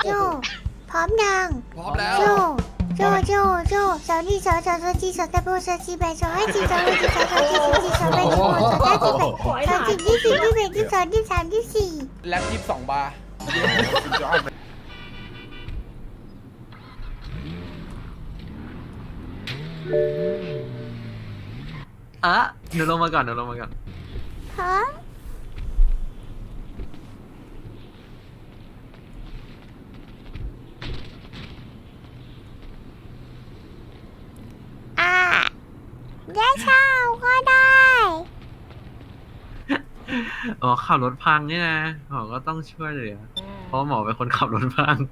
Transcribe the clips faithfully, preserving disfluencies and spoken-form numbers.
โจพร้อมยังพร้อมแล้วโจโจโจโจสาวนี่สาวสาวสาวจีสาวตะโบสาวจีแบสาวไอจีสาวไอจีสาวสาวจีสาวจีสาวแบสาวสาวจีแบสาวจีที่สี่ที่แปดที่สองที่สามที่สี่แล็บยี่สิบสองบาร์อ่ะเดี๋ยวลงมาก่อนเดี๋ยวลงมาก่อนพร้อมอ่ะได้เช่าก็ได้อ๋อขับรถพังนี่นะหมอก็ต้องช่วยเหลือเพราะหมอเป็นคนขับรถพัง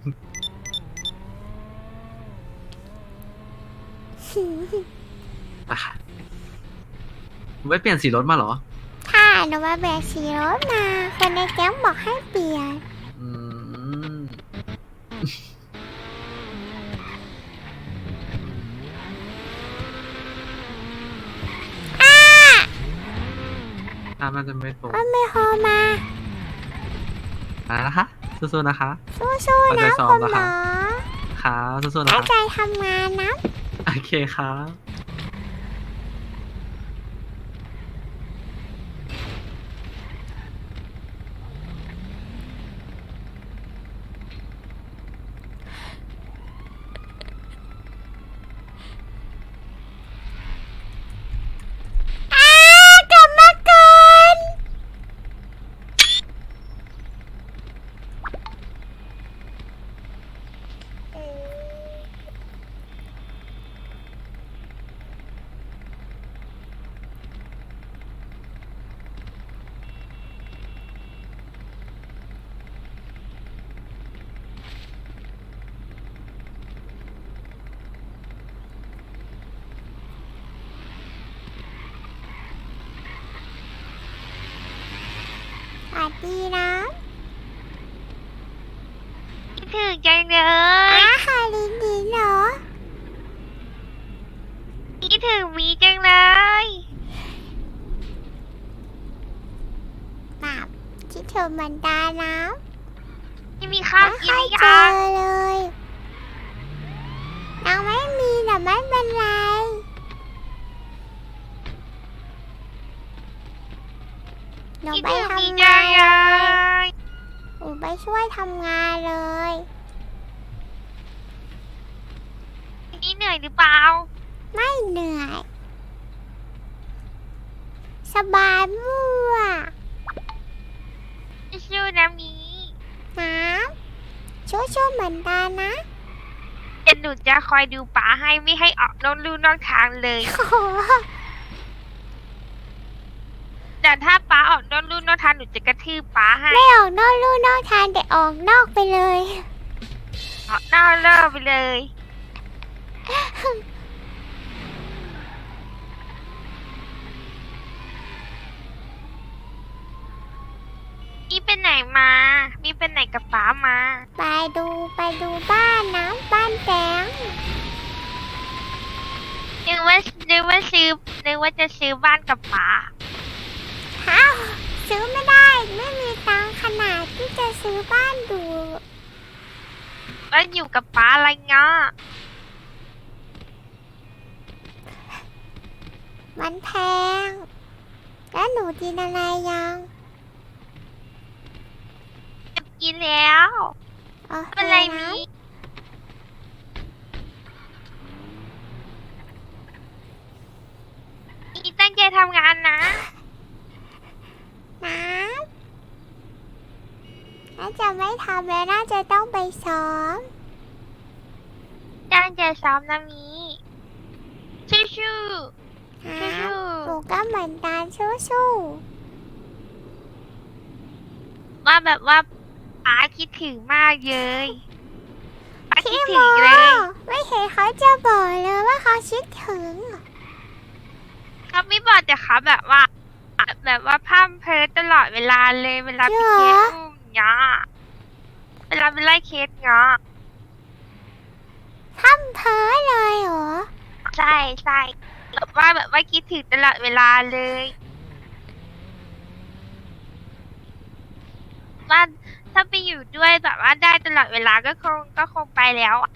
อ่ะไม่เปลี่ยนสีรถมาเหรอถ้าหนูมาแบกสีรถมาคนในแก๊งบอกให้เปลี่ยนอืมถ้ามันจะไม่ตรงมันไม่พอมาอะไรนะคะสู้ๆนะคะสู้ๆนะเอาใจซ้อคุมณนะหมคะอครับสู้ๆนะตั้งคะใจทำงานนะโอเคครับอ้ากลับมาก่อนสวัสดีนะคิดถึงจังเลอ้าย คารินดีเหรอคิดถึงมีจังเลยแบบคิดถึงเหมือนตานะไม่มีข้าวไม่กิค่นอยหรือเจยัอง เลยยังไม่มีแต่ไม่เป็นไรหนูคิดไปถึงมีทำจังาง นเลเลยยหนูไปช่วยทำงานเลยนี่เหนื่อยหรือเปล่าไม่เหนื่อย สบายมั่วสู้ๆนะมีน้ำช่วยๆเหมือนกันนะเดี๋ยวหนูจะคอยดูป๋าให้ไม่ให้ออกนอกลู่นอกทางเลยโอ้โหแต่ถ้าป๋าออกนอกลู่นอกทางหนูจะกระทืบป๋าให้ไม่ออกนอกลู่นอกทางแต่ออกนอกไปเลยออกนอกเลิกไปเลย มีเป็นไหนมา มีเป็นไหนกับป๋ามาไปดูไปดูบ้านนะบ้านแตงนึกว่านึกว่าซื้อนึกว่าจะซื้อบ้านกับป๋าฮะซื้อไม่ได้ไม่มีตังค์ขนาดที่จะซื้อบ้านดูแล้วอยู่กับป๋าอะไรเงี้ยมันแพง แล้วหนูกินอะไรยังจะกินแล้วโอเคเป็นไรนะมีมีตั้งใจทำงานนะน้ำน่าจะไม่ทำแล้วน่าจะต้องไปซ้อมตั้งใจซ้อมนะมีชู้น้ชู้ำหนูก็เหมือนกันสู้ๆว่าแบบว่าป๋าคิดถึงมากเลยป๋าๆคิดพี่โมถึงเลยไม่เห็นเขาจะบอกเลยว่าเขาคิดถึงเขาไม่บอกแต่เขาแบบว่า แบบว่าพร่ำเพ้อตลอดเวลาเลยเวลาพี่เคสอุ้มเงี้ยเวลาไปไล่เคสเงี้ยทำเพ้อเลยเหรอใช่ใช่แบบว่าแบบว่าคิดถึงตลอดเวลาเลยว่าถ้าไปอยู่ด้วยแบบว่าได้ตลอดเวลาก็คงก็คงไปแล้วอะ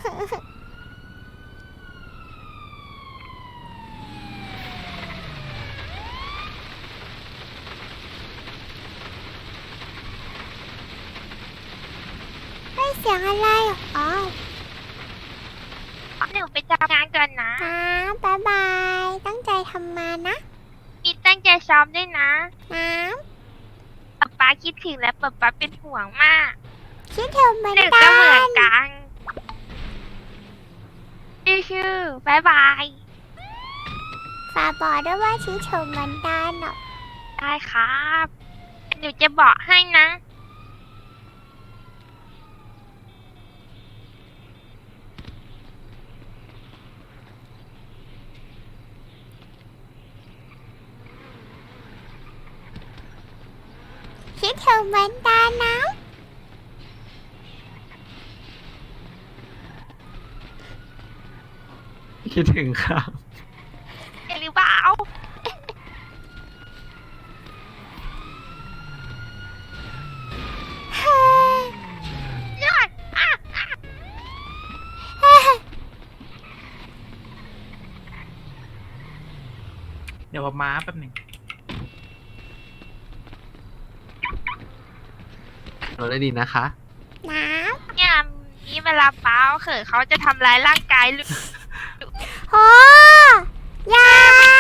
ไม่เสียงอะไรเหรออ๋อหนูไปทำงานก่อนนะนะบ๊ายบาย ตั้งใจทำมานะมีตั้งใจซ้อมด้วยนะน้ป๊าป๊าคิดถึงและป๊าป๊าเป็นห่วงมากำคิดถึงเหมือนหนูกัก็เหมือนนกันชื่อๆบายบายฝากบอกด้วยว่าคิดถึงเหมือนกันเนาะได้ครับ หนูจะบอกให้นะคิดถึงเหมือนกันนะคิดถึงครับเห็นหรือเปล่าเฮ้ยยอดอ่ะอ่ะเฮ้ยเดี๋ยวผมมาแป๊บหนึ่งเราได้ดีนะคะน้เนี่ยนี่เวลาป้าเขินเขาจะทำร้ายร่างกายลูกำโอ้ยา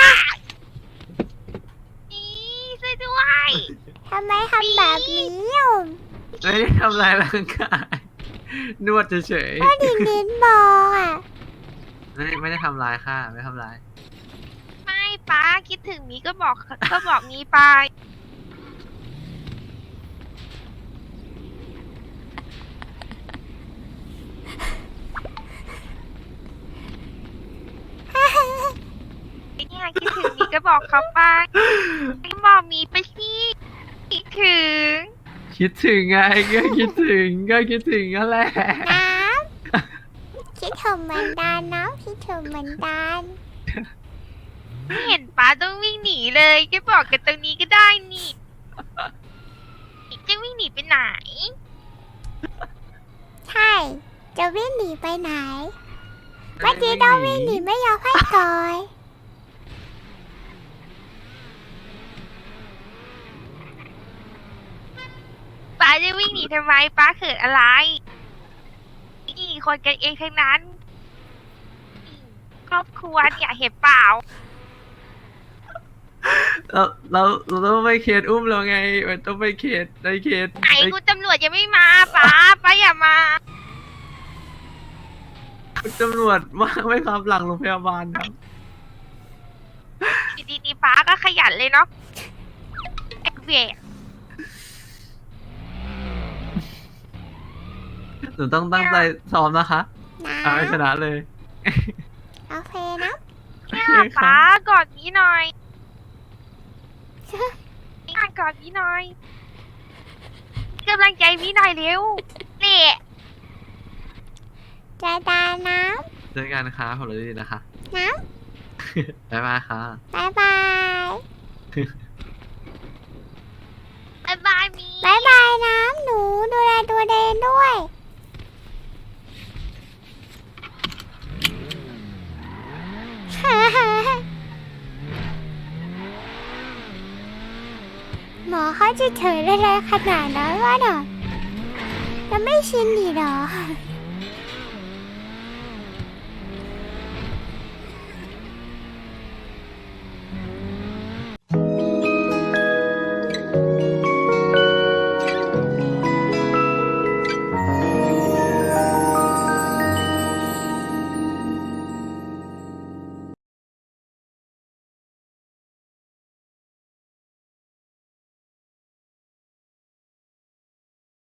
นี่ช่วยด้วยทำไมทำแบบนี้อ่ะไม่ได้ทำลายร่างกาย นวดเฉยก็ดินดินบอกอ่ะๆไม่ไม่ได้ทำลายค่ะ ไม่ทำลายไม่ป้าคิดถึงมีก็บอกก็บอกมีไป เนี่ยคิดถึงมีก็บอกเขาไปบอกมีไปสิคิดถึงคิดถึงไงก็คิดถึงก็คิดถึงนั่นแหละน้ำคิดถึงเหมือนกันน้ำคิดถึงเหมือนกันไม่เห็นป้าต้องวิ่งหนีเลยก็บอกกันตรงนี้ก็ได้นี่จะวิ่งหนีไปไหนใช่ จะวิ่งหนีไปไหน เมื่อกี้ต้องวิ่งหนีไม่ยอมให้ก่อยป้าจะวิ่งหนีทำไมป้าเขินอะไรนี่คนกันเองทั้งนั้น ครอบครัวเนี่ยเห็นเปล่าเราเราเราต้องไปเคสอุ้มเราไงมันต้องไปเคสในเคสไหนคุณตำรวจยังไม่มาป้าป้าอย่ามาคุณตำรวจว่างไหมครับหลังโรงพยาบาลครับดีดีๆป้าก็ขยันเลยเนาะเอ็กเวหนูต้องตั้งใจซ้อมนะคะน้เอาให้ชนะเลยำโอเคนะเนี่ยป้ากอดนี้หน่อยนี่กอดนี้หน่อยกำลังใจพี่หน่อยเร็วเนี่ยจะตาน้เจอกันนะคะผมเลยดีนะคะำน้บ๊ายบายค่ะำบายบายบ๊ายบายมีบายบายน้ำหนูดูแลตัวเองด้วย หมอเขาจะเฉยอะไรขนาดนั้นวะเนาะจะไม่ชินดีหรอ